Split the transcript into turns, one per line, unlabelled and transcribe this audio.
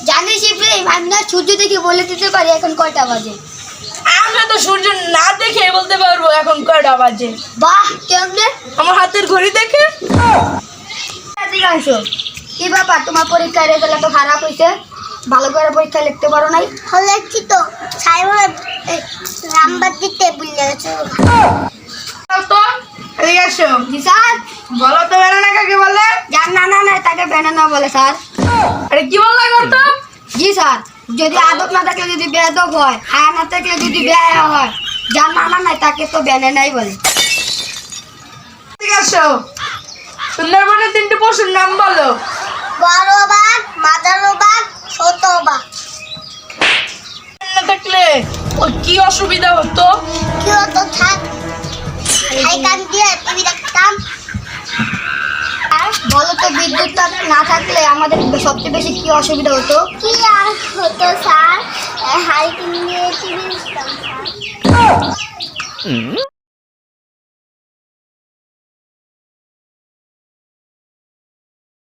জানিস ইব্রাহিম, আমি না সূর্য দেখে বলে দিতে পারি এখন কয়টা বাজে।
আমরা তো সূর্য না দেখে বলতে পারবো এখন কয়টা বাজে।
বাহ, কেমনে?
আমার হাতের ঘড়ি দেখে।
এদিকে আসো। কি ব্যাপার, তোমার পরীক্ষার রেজাল্ট এত খারাপ হয়েছে? ভালো করে পরীক্ষা লিখতে পারো নাই?
লিখছি তো, সাইমন নাম্বার দিতে ভুলে গেছে।
তো এদিকে আসো।
জি স্যার।
বলো তো ব্যানানা কাকে বলে?
যার নানা নাই তাকে ব্যানানা বলে স্যার।
আরে কি বললা করতো?
জি স্যার, যদি আদব না থাকলে যদি বেয়াদব হয়, হায়া না থাকলে যদি বেহায়া হয়, যার নানা নাই তাকে তো ব্যানানাই বলে।
এদিকে আসো। সুন্দরবনের 3টি পশুর নাম বলো।
বড় বাঘ, মাঝারো বাঘ, ছোট বাঘ।
না থাকলে ওর কি অসুবিধা হতো?
কি হতো থাক, খাইকান দিয়ে টিভি দেখতাম।
আর বলো তো, বিদ্যুৎ না থাকলে আমাদের সবচেয়ে বেশি কি অসুবিধা হতো?
কি আর হতো স্যার, হারিকেন দিয়ে টিভি দেখতাম স্যার।